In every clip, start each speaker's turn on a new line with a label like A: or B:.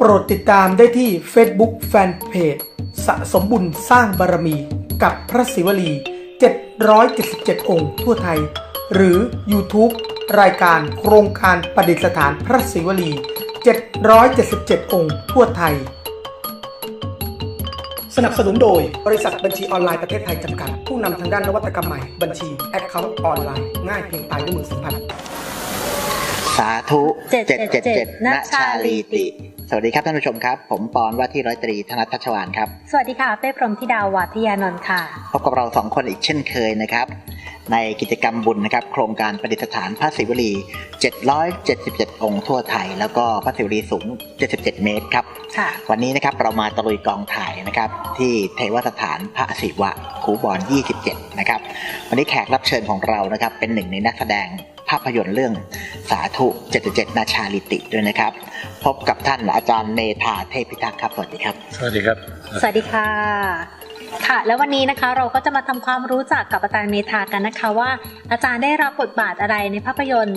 A: โปรดติดตามได้ที่ Facebook Fanpage สะสมบุญสร้างบารมีกับพระศิวลี777 องค์ทั่วไทยหรือ YouTube รายการโครงการประดิษฐานพระศิวลี777 องค์ทั่วไทยสนับสนุนโดยบริษัทบัญชีออนไลน์ประเทศไทยจำกัดผู้นำทางด้านนวัตกรรมใหม่บัญชี Account ออนไลน์ง่ายเพียงปลายนิ้วมือสัมผัส
B: สาธุ777ณชาลีติสวัสดีครับท่านผู้ชมครับผมปอนว่าที่ร้อยตรีธนัท ทัชวาลครับ
C: สวัสดีค่ะเป้พรหมธิดา วาทิยานนท์ค่ะ
B: พบกับเรา2คนอีกเช่นเคยนะครับในกิจกรรมบุญนะครับโครงการประดิษฐานพระศิวลี777 องค์ทั่วไทยแล้วก็พระศิวลีสูง77 เมตรครับวันนี้นะครับเรามาตะลุยกองถ่ายนะครับที่เทวสถานพระศิวะคูบอน27นะครับวันนี้แขกรับเชิญของเรานะครับเป็นหนึ่งในนักแสดงภาพยนตร์เรื่องสาธุ777ณชาลีติด้วยนะครับพบกับท่านอาจารย์เมธาเทพพิทักษ์ครับสวัสดีครับ
D: สวัสดีครับ
C: สวัสดีค่ะค่ะแล้ววันนี้นะคะเราก็จะมาทำความรู้จักกับอาจารย์เมธากันนะคะว่าอาจารย์ได้รับบทบาทอะไรในภาพยนตร์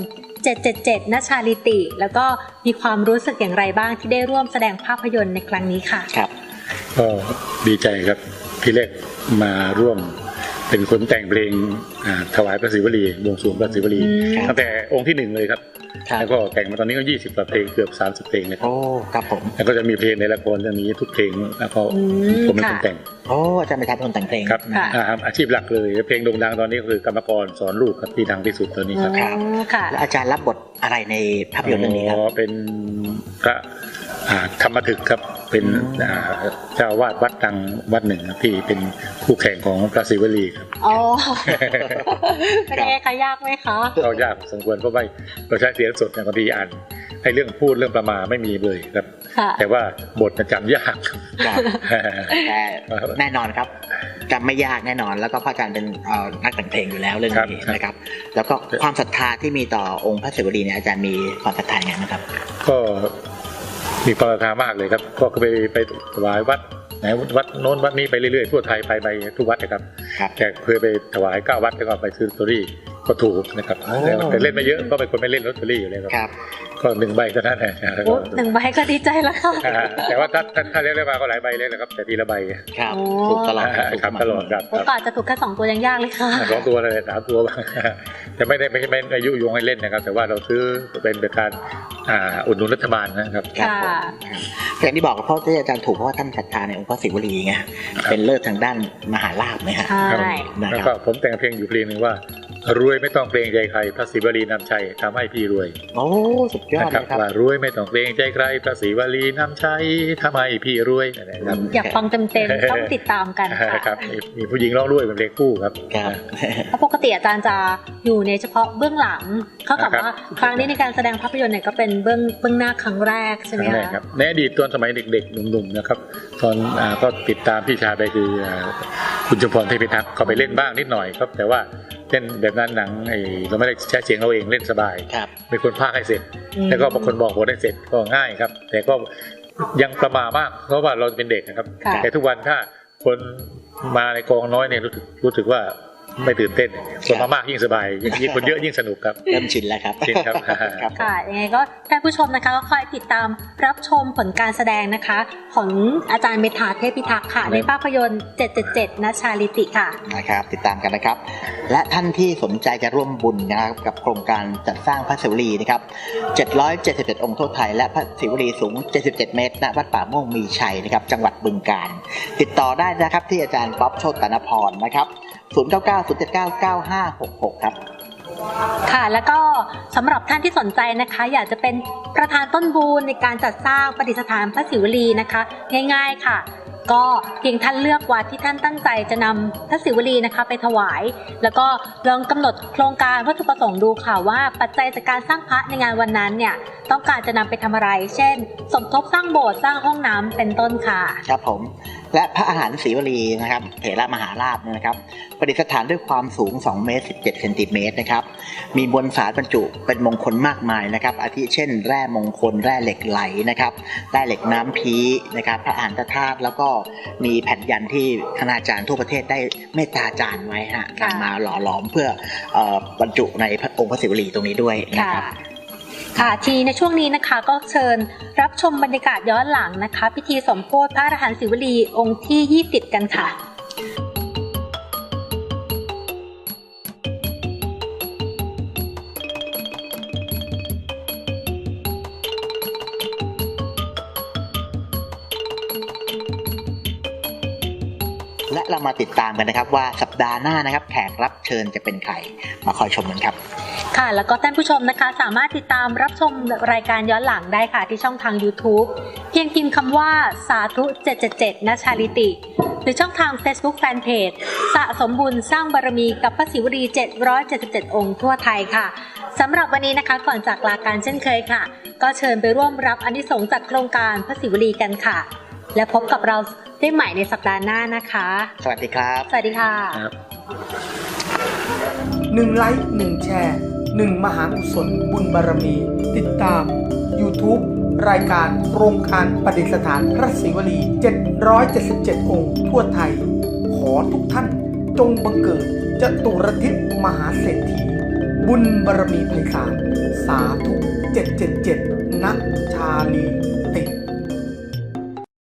C: 777ณชาลีติแล้วก็มีความรู้สึกอย่างไรบ้างที่ได้ร่วมแสดงภาพยนตร์ในครั้งนี้ค่ะ
B: ครับ
D: ก็ดีใจครับพี่เล็กมาร่วมเป็นคนแต่งเพลงถวายพระศิวลีบวงสรวงพระศิวลีตั้งแต่องค์ที่1เลยครับแล้วก็แต่งมาตอนนี้ก็20กว่าเพลงเกือบ30เพลงนะครับ
B: โอ้ครับผม
D: แล้วก็จะมีเพลงในละครเรื่องนี้ทุกเพลงแล้วก็ผมเป็นคนแต่ง
B: โอ้อาจารย์เป็นคนแต่งเพลง
D: ครับอาชีพหลักเลยเพลงโด่งดังตอนนี้ก็คือกรรมกรสอนลูกครับที่ดังที่สุดตอนนี้ครับ
B: แล้วอาจารย์รับบทอะไรในภาพยนตร์เรื่องนี้ครับ
D: เป็นพระธรรมถึกครับเป็นเจ้าวาดวัดดังวัดหนึ่งที่เป็นคู่แข่งของพระศิวลีครับ
C: อ๋อเป็นไงคะยากไหมคะ
D: ก็ยากสมควรเพราะไม่เราใช้เสียงสดเนี่ยบางทีอ่านให้เรื่องพูดเรื่องประมาไม่มีเลยครับแต่ว่าบทจำยาก
B: แต่แน่นอนครับจำไม่ยากแน่นอนแล้วก็พระอาจารย์เป็นนักแต่งเพลงอยู่แล้วเรื่องนี้นะครับแล้วก็ความศรัทธาที่มีต่อองค์พระศิวลีเนี่ยอาจารย์มีความศรัทธาอย่างไรนะครับ
D: ก็มีความศรัทธามากเลยครับก็ไปถวายวัดไหนวัดโน้นวัดนี้ไปเรื่อยๆทั่วไทยไปทุกวัดนะครับแต่เคยไปถวาย9 วัดแล้วก็ไปซื้อลอตเตอรี่ก็ถูกนะครับแต่เล่นไม่เยอะก็เป็นคนไม่เล่นลอตเตอรี่อยู่เลยครับก็1 ใบเท่านั้นแหละ
C: 1 ใบก็ดีใจแล้วค่ะ
D: แต่ว่าถ้าเล่นได้มาก็หลายใบเลยนะครับแต่ทีละใบ
B: ครับถูกตลอด
D: ครับตลอดครับ
C: โอกาสจะถูกแค่2 ตัวยังยากเลยค่ะ
D: 2 ตัวเลย3 ตัวแต่ไม่อายุยงให้เล่นนะครับแต่ว่าเราซื้อเป็นการอุดหนุนรัฐบาลนะครับ
B: อย่างที่บอกเพราะที่อาจารย์ถูกเพราะว่าท่านศรัทธาในองค์พระศิวลีไงเป็นเลิศทางด้านมหาลาภไหมครับ
D: แล้วก็ผมแต่งเพลงอยู่เพลงนึงว่ารวยไม่ต้องเกรงใจใครพระศิวลีนำชัยทำให้พี่รวย
B: โอ้สุดยอดเลยครับ
D: ว่ารวยไม่ต้องเกรงใจใครพระศิวลีนำชัยทำให้พี่รวย
C: นะครับอยากฟังเต็มๆต้องติดตามกันค่ะ
D: ครับมีผู้หญิงร้องด้วยเป็นเพลงคู่ครับ
C: เพราะปกติอาจารย์จะอยู่ในเฉพาะเบื้องหลังเขาบอกว่าครั้งนี้ในการแสดงภาพยนตร์เนี่ยก็เป็นเบื้องหน้าครั้งแรกใช่ไหมคะ
D: ในอดีตตอนสมัยเด็กๆหนุ่มๆนะครับตอนก็ติดตามพี่ชายไปคือคุณชุมพรเทพพิทักษ์เขาไปเล่นบ้างนิดหน่อยครับแต่ว่าเล่นแบบนั้นหนังเราไม่ได้ใช้เสียงเราเองเล่นสบายมีคนพากย์ให้เสร็จแล้วก็บางคนบอกบทให้เสร็จก็ง่ายครับแต่ก็ยังประมาทมากเพราะว่าเราเป็นเด็กนะครับแต่ทุกวันถ้าคนมาในกองน้อยเนี่ยรู้สึกว่าไม่ตื่นเต้นคนมามากยิ่งสบายยิ่งคนเยอะยิ่งสนุกครับ
B: เริ่มชินแล้วครับ
D: ชินครับ
C: ค่ะยังไงก็ท่านผู้ชมนะคะก็คอยติดตามรับชมผลการแสดงนะคะของอาจารย์เมธาเทพพิทักษ์ค่ะในภาพยนตร์777ณชาลีติค่ะ
B: นะครับติดตามกันนะครับและท่านที่สนใจจะร่วมบุญนะครับกับโครงการจัดสร้างพระศิวลีนะครับ777 องค์ทั่วไทยและพระศิวลีสูง77 เมตรณวัดป่าม่วงมีชัยนะครับจังหวัดบึงกาฬติดต่อได้นะครับที่อาจารย์ป๊อปโชติ ตนพรนะครับ0990799566ครับ
C: ค่ะแล้วก็สำหรับท่านที่สนใจนะคะอยากจะเป็นประธานต้นบุญในการจัดสร้างประดิษฐานพระศิวลีนะคะง่ายๆค่ะก็เพียงท่านเลือกวัดที่ท่านตั้งใจจะนำพระศิวลีนะคะไปถวายแล้วก็ลองกำหนดโครงการวัตถุประสงค์ดูค่ะว่าปัจจัยจากการสร้างพระในงานวันนั้นเนี่ยต้องการจะนำไปทำอะไรเช่นสมทบสร้างโบสถ์สร้างห้องน้ำเป็นต้นค่ะ
B: ครับผมและพระอาหารศิวลีนะครับเถระมหาราชนะครับประดิษฐานด้วยความสูง2 เมตร 17 เซนติเมตรนะครับมีมวลสารบรรจุเป็นมงคลมากมายนะครับอาทิเช่นแร่มงคลแร่เหล็กไหลนะครับแร่เหล็กน้ำพีนะครับพระอาหารธาตุแล้วก็มีแผ่นยันที่คณาจารย์ทั่วประเทศได้เมตตาจารย์ไว้ฮะนำมาหล่อหลอมเพื่อบรรจุในองค์พระศิวลีตรงนี้ด้วยนะครับ
C: ค่ะทีในช่วงนี้นะคะก็เชิญรับชมบรรยากาศย้อนหลังนะคะพิธีสมโภชพระอรหันต์ศิวลีองค์ที่20กันค่ะ
B: และเรามาติดตามกันนะครับว่าสัปดาห์หน้านะครับแขกรับเชิญจะเป็นใครมาคอยชมกันครับ
C: ค่ะแล้วก็ท่านผู้ชมนะคะสามารถติดตามรับชมรายการย้อนหลังได้ค่ะที่ช่องทาง YouTube เพียงพิมพ์คำว่าสาธุ777ณชาลิติหรือช่องทาง Facebook Fanpage สะสมบุญสร้างบารมีกับพระศิวลี777องค์ทั่วไทยค่ะสำหรับวันนี้นะคะก่อนจากลาการเช่นเคยค่ะก็เชิญไปร่วมรับอานิสงส์จากโครงการพระศิวลีกันค่ะและพบกับเราได้ใหม่ในสัปดาห์หน้านะคะ
B: สวัสดีครับ
C: สวัสดีค่ะ
A: 1 ไลค์ 1 แชร์ 1 มหากุศลบุญบารมีติดตาม YouTube รายการโครงการประดิษฐานพระศิวลี777องค์ทั่วไทยขอทุกท่านจงบังเกิดจตุรทิศมหาเศรษฐีบุญบารมีไพศาลสาธุ777ณชาลี